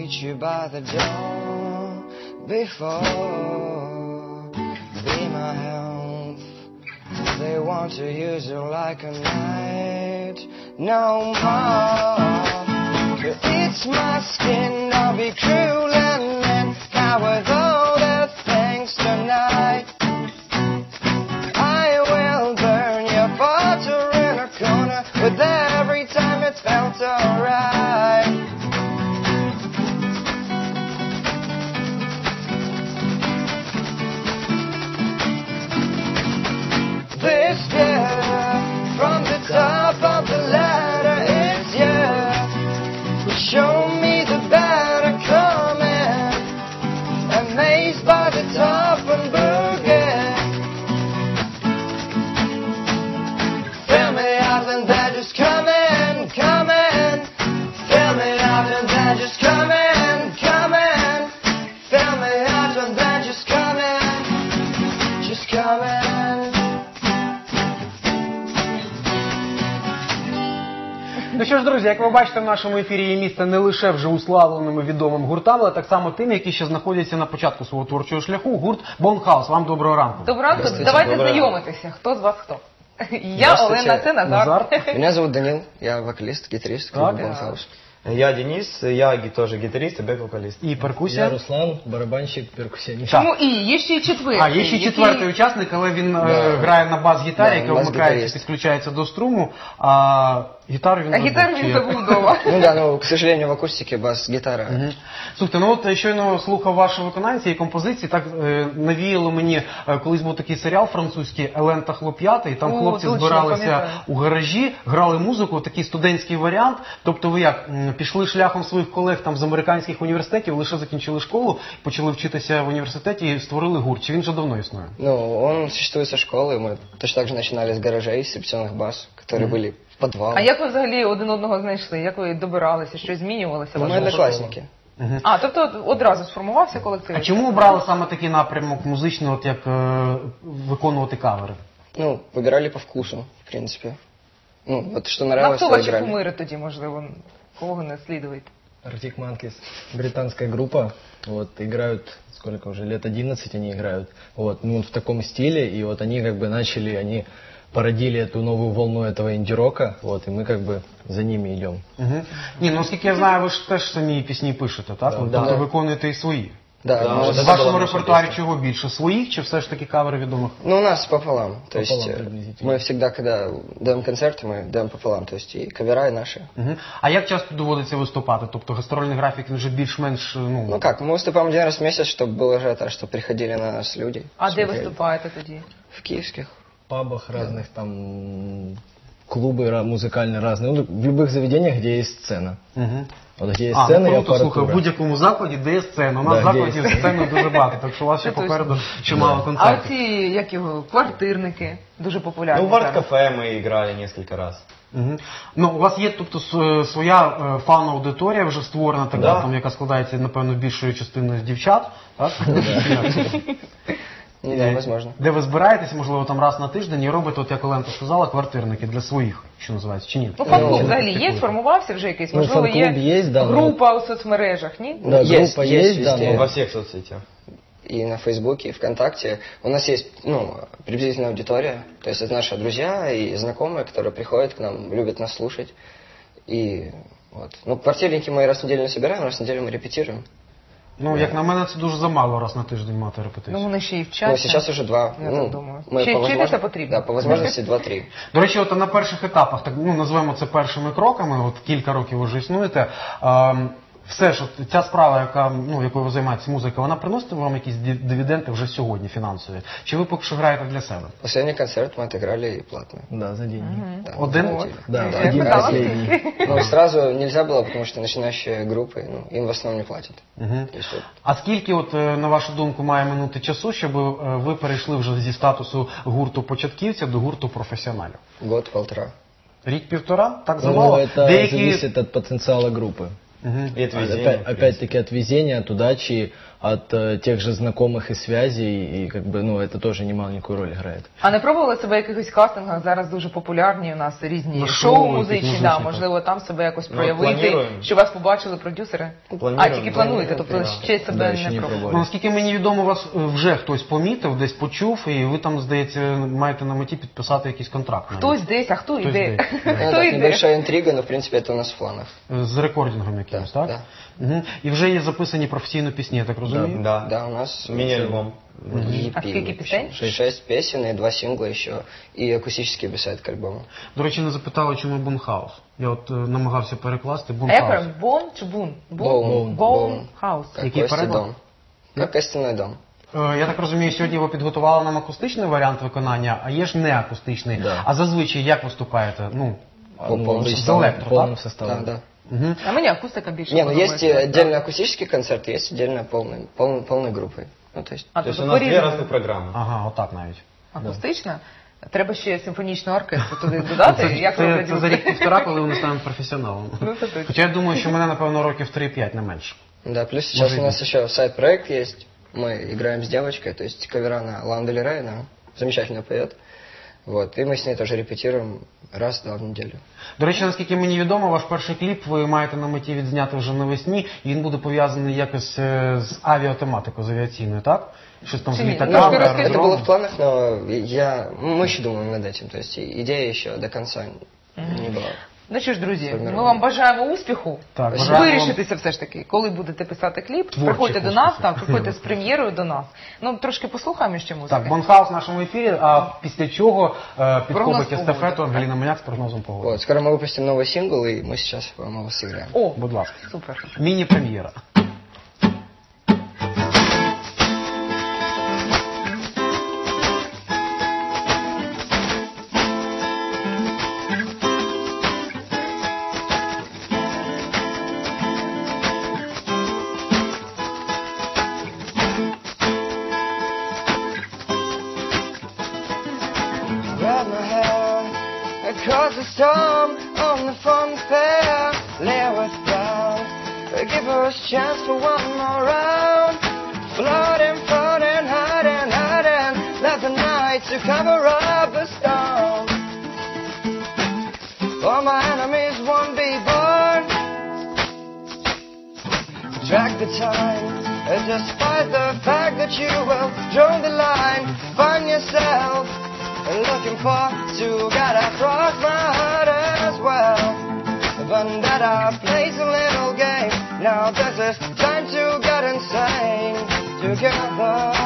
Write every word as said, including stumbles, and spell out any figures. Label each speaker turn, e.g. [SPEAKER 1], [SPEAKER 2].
[SPEAKER 1] meet you by the door before. Be my health. They want to use you like a knight. No more. It's my skin. I'll be cruel and then cover all the things tonight. I will burn your butter in a corner with every time it felt alright. This year, from the top of the ladder, it's you who show me the better coming. Amazed by the top and boogie. Fill me out and they're just coming, coming. Fill me out and they're just coming, coming. Fill me out and they're just coming, just coming.
[SPEAKER 2] Ну що ж, друзі, як ви бачите, в нашому ефірі є місце не лише вже уславленими відомим гуртам, але так само тим, які ще знаходяться на початку свого творчого шляху. Гурт Бонхаус. Вам доброго ранку.
[SPEAKER 3] Доброго ранку. Давайте знайомитися. Хто з вас хто? Я Олена, це Назар.
[SPEAKER 2] Назар.
[SPEAKER 1] Меня зовут Данил, я вокалист, гитарист группы Бонхаус.
[SPEAKER 4] Я Денис, я тоже гитарист и бэк-вокалист.
[SPEAKER 2] І перкусія.
[SPEAKER 5] Я Руслан, барабанщик, перкусіоніст.
[SPEAKER 3] Чому і? Є ще й четвертий.
[SPEAKER 2] А, є ще четвертий учасник, але він
[SPEAKER 1] Да.
[SPEAKER 2] е, грає на бас-гітарі,
[SPEAKER 1] Да,
[SPEAKER 2] яка
[SPEAKER 1] бас-гітарист.
[SPEAKER 2] вмикається, підключається до струму, а гітару він
[SPEAKER 3] А
[SPEAKER 2] забув.
[SPEAKER 3] гітару
[SPEAKER 2] Чи
[SPEAKER 3] він
[SPEAKER 2] як?
[SPEAKER 3] забув вдома.
[SPEAKER 1] Ну да, но, к сожалению, в акустике бас-гитара.
[SPEAKER 2] Мгм. Слухайте, ну от щойно слухав ваші виконання цієї композиції, так е, навіяло мені, е, колись був такий серіал французький «Елен та хлоп'ята», і там
[SPEAKER 3] О,
[SPEAKER 2] хлопці
[SPEAKER 3] точно,
[SPEAKER 2] збиралися
[SPEAKER 3] пам'ятаю.
[SPEAKER 2] у гаражі, грали музику, такий студентський варіант. Тобто ви як, м, пішли шляхом своїх колег там з американських університетів, лише закінчили школу, почали вчитися в університеті і створили гурт. Чи він вже давно існує?
[SPEAKER 1] Ну, он существует со школы, мы точно так же начинали с гаражей, с репетиционных баз, которые
[SPEAKER 2] Мгм.
[SPEAKER 1] были в подвалах.
[SPEAKER 3] А як ви взагалі один одного знайшли? Як ви добиралися? Щось змінювалося?
[SPEAKER 1] Ну, мы
[SPEAKER 3] Вашого
[SPEAKER 1] одноклассники.
[SPEAKER 2] Мгм.
[SPEAKER 3] А, тобто от одразу сформувався колектив?
[SPEAKER 2] А чому обрали саме такий напрямок музичний, от як е, виконувати кавери?
[SPEAKER 1] Ну, выбирали по вкусу, в принципе. Ну, вот что
[SPEAKER 3] Ну, а
[SPEAKER 1] нравилось,
[SPEAKER 3] хто
[SPEAKER 1] то
[SPEAKER 3] ваші
[SPEAKER 1] играли.
[SPEAKER 3] кумири тоді, можливо? Кого не слідуєте?
[SPEAKER 5] Arctic Monkeys, британская группа, вот, играют, сколько уже, лет одиннадцать они играют, вот, ну, в таком стиле, и вот они как бы начали, они породили эту новую волну этого инди-рока, вот, и мы как бы за ними идем.
[SPEAKER 2] Угу. Ні, ну оскільки я знаю, ви ж теж самі пісні пишете, так? Ви
[SPEAKER 5] Да.
[SPEAKER 2] тобто
[SPEAKER 1] Да.
[SPEAKER 2] виконуєте і свої.
[SPEAKER 1] Да,
[SPEAKER 4] Да,
[SPEAKER 1] ну,
[SPEAKER 4] вот
[SPEAKER 2] В
[SPEAKER 4] это
[SPEAKER 2] вашому
[SPEAKER 4] була наша
[SPEAKER 2] репертуарі
[SPEAKER 4] пісня.
[SPEAKER 2] чого більше? Своїх чи все ж таки кавери відомих?
[SPEAKER 1] ну, у нас пополам. То
[SPEAKER 5] Пополам
[SPEAKER 1] есть э,
[SPEAKER 5] приблизительно.
[SPEAKER 1] мы всегда, когда даем концерты, мы даем пополам. То есть и кавера, и наши.
[SPEAKER 2] Угу. А як часто доводиться виступати? Тобто гастрольний графік він вже більш-менш, ну...
[SPEAKER 1] Ну как, мы выступаем один раз в месяц, чтобы был ажиотаж, чтобы приходили на нас люди.
[SPEAKER 3] А де
[SPEAKER 1] смотрели.
[SPEAKER 3] виступаєте тоді?
[SPEAKER 1] В киевских.
[SPEAKER 5] В пабах разных, там, клубы ра- музыкальные разные, ну, в любых заведениях, где есть сцена.
[SPEAKER 2] Угу.
[SPEAKER 5] Вот где есть
[SPEAKER 2] А,
[SPEAKER 5] сцена
[SPEAKER 2] ну
[SPEAKER 5] и
[SPEAKER 2] круто, слухай, в
[SPEAKER 5] аппаратура.
[SPEAKER 2] будь-якому закладі, де є сцена. У нас
[SPEAKER 5] Да,
[SPEAKER 2] закладів
[SPEAKER 5] де є.
[SPEAKER 2] сцени дуже багато, так що у вас ще
[SPEAKER 3] Це точно.
[SPEAKER 2] попереду чимало
[SPEAKER 3] А
[SPEAKER 2] концертів.
[SPEAKER 3] оці, як його, квартирники, дуже популярні.
[SPEAKER 4] Ну, в
[SPEAKER 3] зараз.
[SPEAKER 4] арт-кафе мы играли несколько раз.
[SPEAKER 2] Угу. Ну, у вас є, тобто, с- своя е, фан-аудиторія вже створена, така,
[SPEAKER 4] Да.
[SPEAKER 2] там, яка складається, напевно, більшою частиною з дівчат, так?
[SPEAKER 1] Ну да, возможно.
[SPEAKER 2] Де ви збираєтеся, можливо, там раз на тиждень і робите, от як Оленка сказала, квартирники для своїх, що називається, чи ні?
[SPEAKER 3] Ну, фан-клуб
[SPEAKER 1] Ну,
[SPEAKER 3] взагалі є,
[SPEAKER 2] практикуєте?
[SPEAKER 3] сформувався вже якийсь?
[SPEAKER 5] Ну,
[SPEAKER 3] Можливо,
[SPEAKER 5] фан-клуб
[SPEAKER 3] є
[SPEAKER 5] є, да,
[SPEAKER 3] група у соцмережах, ні?
[SPEAKER 5] Да,
[SPEAKER 1] Есть,
[SPEAKER 5] группа
[SPEAKER 1] есть
[SPEAKER 5] есть, да,
[SPEAKER 1] везде.
[SPEAKER 5] но
[SPEAKER 4] Во всех соцсетях.
[SPEAKER 1] И на Фейсбуке, и ВКонтакте. У нас есть, ну, приблизительная аудитория. То есть это наши друзья и знакомые, которые приходят к нам, любят нас слушать. И вот. Ну, квартирники мы раз в неделю не собираем, раз в неделю мы репетируем.
[SPEAKER 2] Ну, як на мене, це дуже замало раз на тиждень мати репетицію.
[SPEAKER 3] Ну, вони ще й
[SPEAKER 1] Ну,
[SPEAKER 3] вчаться.
[SPEAKER 1] сейчас уже два.
[SPEAKER 3] Я
[SPEAKER 1] ну,
[SPEAKER 3] так думаю.
[SPEAKER 1] мы
[SPEAKER 3] Чи-
[SPEAKER 1] по
[SPEAKER 3] вчитися
[SPEAKER 1] возможно-
[SPEAKER 3] потрібно?
[SPEAKER 1] Да, по возможности два-три.
[SPEAKER 2] До речі, от на перших етапах, так, ну, назвемо це першими кроками, от кілька років ви вже існуєте, ем, все ж, от ця справа, яка, ну, якою ви займаєтесь, музика, вона приносить вам якісь див- дивіденди вже сьогодні фінансові? Чи ви поки що граєте для себе?
[SPEAKER 1] Последний концерт мы отыграли платно.
[SPEAKER 5] да, за деньги.
[SPEAKER 1] Да.
[SPEAKER 2] Один?
[SPEAKER 3] Вот.
[SPEAKER 5] Да,
[SPEAKER 3] Я
[SPEAKER 5] один
[SPEAKER 3] питала,
[SPEAKER 5] последний.
[SPEAKER 3] скільки.
[SPEAKER 1] Ну, сразу нельзя было, потому что начинающие группы, ну, им в основном не платят.
[SPEAKER 2] Угу.
[SPEAKER 1] То есть вот
[SPEAKER 2] А скільки, от, е, на вашу думку, має минути часу, щоб е, ви перейшли вже зі статусу гурту початківця до гурту професіоналів?
[SPEAKER 1] год-полтора.
[SPEAKER 2] Рік-півтора? Так
[SPEAKER 5] Ну,
[SPEAKER 2] замало?
[SPEAKER 5] это
[SPEAKER 2] Деякі...
[SPEAKER 5] зависит от потенциала группы.
[SPEAKER 2] Мгм.
[SPEAKER 4] И от везения,
[SPEAKER 5] Опять-
[SPEAKER 4] в принципе.
[SPEAKER 5] Опять-таки от везения, от удачи, от э, тех же знакомых и связей, и как бы, ну, это тоже немаленькую роль играет.
[SPEAKER 3] А не пробували себе в якихось кастингах? Зараз дуже популярні у нас різні
[SPEAKER 2] Ну,
[SPEAKER 3] шоу
[SPEAKER 2] шоу,
[SPEAKER 3] музичні,
[SPEAKER 2] якісь
[SPEAKER 3] да,
[SPEAKER 2] музичні,
[SPEAKER 3] можливо, там себе якось
[SPEAKER 4] Ну,
[SPEAKER 3] проявити,
[SPEAKER 4] плануємо.
[SPEAKER 3] що вас побачили продюсери?
[SPEAKER 4] Плануємо,
[SPEAKER 3] А, тільки плануєте,
[SPEAKER 4] плануємо,
[SPEAKER 3] тобто
[SPEAKER 4] да.
[SPEAKER 3] ще себе
[SPEAKER 5] Да,
[SPEAKER 3] не
[SPEAKER 5] ще не
[SPEAKER 3] пробували.
[SPEAKER 5] пробували.
[SPEAKER 2] Ну, наскільки мені відомо, вас е, вже хтось помітив, десь почув, і ви там, здається, маєте на меті підписати якийсь контракт. навіть.
[SPEAKER 3] Хтось десь, а хто
[SPEAKER 2] Хтось
[SPEAKER 3] йде?
[SPEAKER 2] десь.
[SPEAKER 1] Ну,
[SPEAKER 3] Хто
[SPEAKER 1] так,
[SPEAKER 3] йде?
[SPEAKER 1] небольшая интрига, но в принципе это у нас в планах.
[SPEAKER 2] З рекордингом якимось,
[SPEAKER 1] Да,
[SPEAKER 2] так? Угу. І вже є записані професійно пісні, я так розумію?
[SPEAKER 4] Да.
[SPEAKER 1] Да, у нас
[SPEAKER 4] Мини-альбом.
[SPEAKER 1] E P
[SPEAKER 3] А скільки
[SPEAKER 1] выпущен.
[SPEAKER 3] пісень?
[SPEAKER 1] Шесть песен и два сингла еще, и акустический бисайд к альбому.
[SPEAKER 2] До речі, не запитали, чому Бунхаус. Я от е, намагався перекласти
[SPEAKER 3] А як
[SPEAKER 2] Бунхаус.
[SPEAKER 3] правильно? Бон чи бун?
[SPEAKER 1] Боун.
[SPEAKER 3] Боун хаус.
[SPEAKER 1] Как
[SPEAKER 2] Какие
[SPEAKER 1] кости
[SPEAKER 2] пароли?
[SPEAKER 1] дом. Как костяной дом.
[SPEAKER 2] Е, Я так розумію, сьогодні ви підготували нам акустичний варіант виконання, а є ж не акустичний.
[SPEAKER 5] Да.
[SPEAKER 2] А зазвичай як виступаєте? Ну,
[SPEAKER 1] По
[SPEAKER 5] Ну,
[SPEAKER 1] полному
[SPEAKER 5] с
[SPEAKER 2] составу.
[SPEAKER 5] полным- полным
[SPEAKER 1] Да,
[SPEAKER 5] составом.
[SPEAKER 1] да.
[SPEAKER 2] угу.
[SPEAKER 3] А мені акустика більше
[SPEAKER 1] Не, ну есть
[SPEAKER 3] подобається.
[SPEAKER 1] э, отдельно акустический концерт, есть отдельно полный, полный, полной группой. Ну, то есть,
[SPEAKER 3] А,
[SPEAKER 4] То есть у
[SPEAKER 3] тобто
[SPEAKER 4] нас две
[SPEAKER 3] по-різному.
[SPEAKER 4] разных программы.
[SPEAKER 2] Ага, отак навіть.
[SPEAKER 3] Акустична? Треба ще симфонічний оркестр туди додати,
[SPEAKER 2] Це,
[SPEAKER 3] як
[SPEAKER 2] це,
[SPEAKER 3] роблять
[SPEAKER 2] це за
[SPEAKER 3] групи.
[SPEAKER 2] рік-півтора, коли вони стануть професіоналом.
[SPEAKER 3] Ну, це точно.
[SPEAKER 2] Хоча я думаю, що мене, напевно, років три-п'ять, не менше.
[SPEAKER 1] да, плюс сейчас
[SPEAKER 2] Может
[SPEAKER 1] у нас еще сайт-проект есть. Мы играем с девочкой, то есть кавера на Лану Дель Рей, она замечательно поет. Вот, и мы с ней тоже репетируем раз-два в неделю.
[SPEAKER 2] До речі, наскільки мені відомо, ваш перший кліп ви маєте на меті відзняти вже навесні, і він буде пов'язаний якось е, з авіатематикою, з авіаційною, так? Щось там з
[SPEAKER 3] Чи ні?
[SPEAKER 2] літаками,
[SPEAKER 3] Немножко расскажи.
[SPEAKER 1] Это
[SPEAKER 2] аеродромом.
[SPEAKER 1] было в планах, но я, мы еще думаем над этим, то есть и- идея еще до конца не была.
[SPEAKER 3] Ну що ж, друзі,
[SPEAKER 1] Сформировано.
[SPEAKER 3] ми вам бажаємо успіху.
[SPEAKER 2] Так, бажаємо вам-
[SPEAKER 3] Вирішитися все ж таки, коли будете писати кліп,
[SPEAKER 2] Творчих
[SPEAKER 3] приходьте до нас,
[SPEAKER 2] успіхів.
[SPEAKER 3] так, приходьте з прем'єрою до нас. Ну, трошки послухаємо ще музики.
[SPEAKER 2] Так, Бонхаус в нашому ефірі, а після чого е, підхопить
[SPEAKER 3] погоди,
[SPEAKER 2] естафету
[SPEAKER 3] так?
[SPEAKER 2] Ангеліна Маняк з прогнозом погоди.
[SPEAKER 1] Вот, скоро мы выпустим новый сингл, и мы сейчас вам его сыграем.
[SPEAKER 3] О,
[SPEAKER 2] Будь ласка.
[SPEAKER 3] супер.
[SPEAKER 2] Міні-прем'єра.
[SPEAKER 1] Grab my hair, cause a storm on the fun fair. Lay us down, give us a chance for one more round. Floating, floating, hiding, hiding. Let the night to cover up the storm. All my enemies won't be born. Drag the time, despite the fact that you will draw the line. Find yourself looking for to get across my heart as well. Vendetta plays a little game. Now this is time to get insane together.